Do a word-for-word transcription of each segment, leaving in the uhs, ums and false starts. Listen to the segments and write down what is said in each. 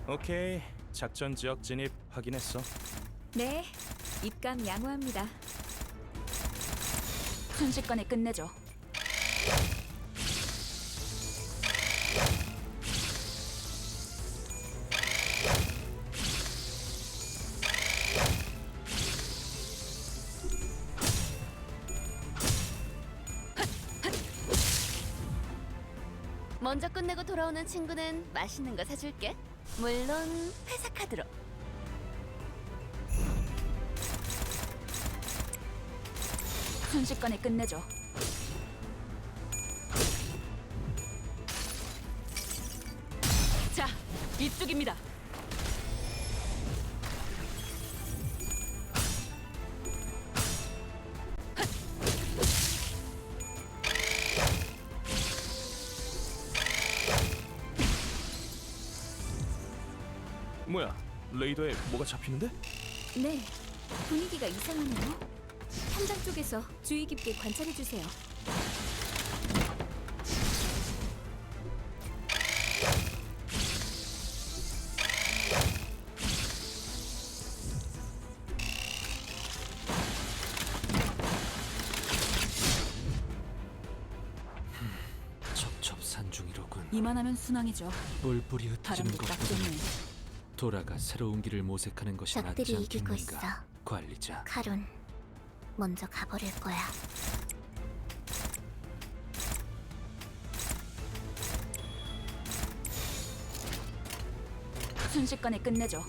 오케이, 작전 지역 진입 확인했어. 네, 입감 양호합니다. 순식간에 끝내죠. 먼저 끝내고 돌아오는 친구는 맛있는 거 사줄게. 물론 회사 카드로. 순식간에 끝내죠. 자, 이쪽입니다. 뭐야, 레이더에 뭐가 잡히는데? 네, 분위기가 이상하네요. 현장 쪽에서 주의 깊게 관찰해주세요. 첩첩산중이로군. 이만하면 순항이죠. 뿔뿔이 흩어지는 바람도 딱 것보다는 좋네. 돌아가 새로운 길을 모색하는 것이 낫지 적들이 이기고 있어. 않겠는가, 관리자. 카론, 먼저 가버릴 거야. 순식간에 끝내죠.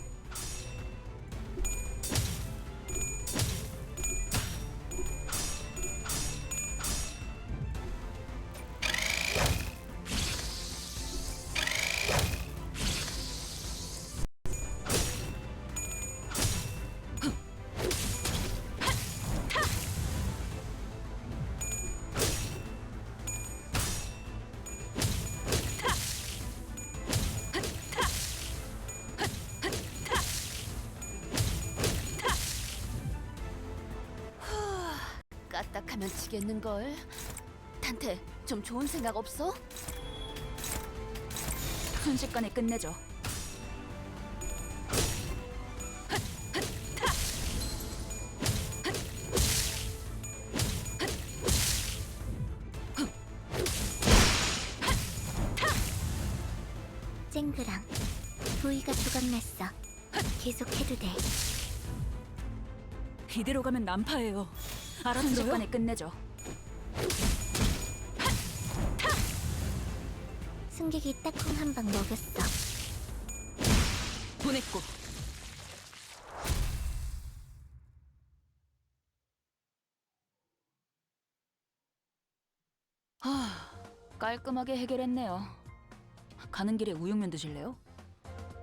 까딱하면 지겠는걸. 단테, 좀 좋은 생각 없어? 순식간에 끝내죠. 쨍그랑 부위가 조각났어. 계속해도 돼. 이대로 가면 난파예요. 알아들어요? 순식간에 끝내죠. 승객이 딱콩 한 방 먹였어. 보냈고. 하, 깔끔하게 해결했네요. 가는 길에 우육면 드실래요?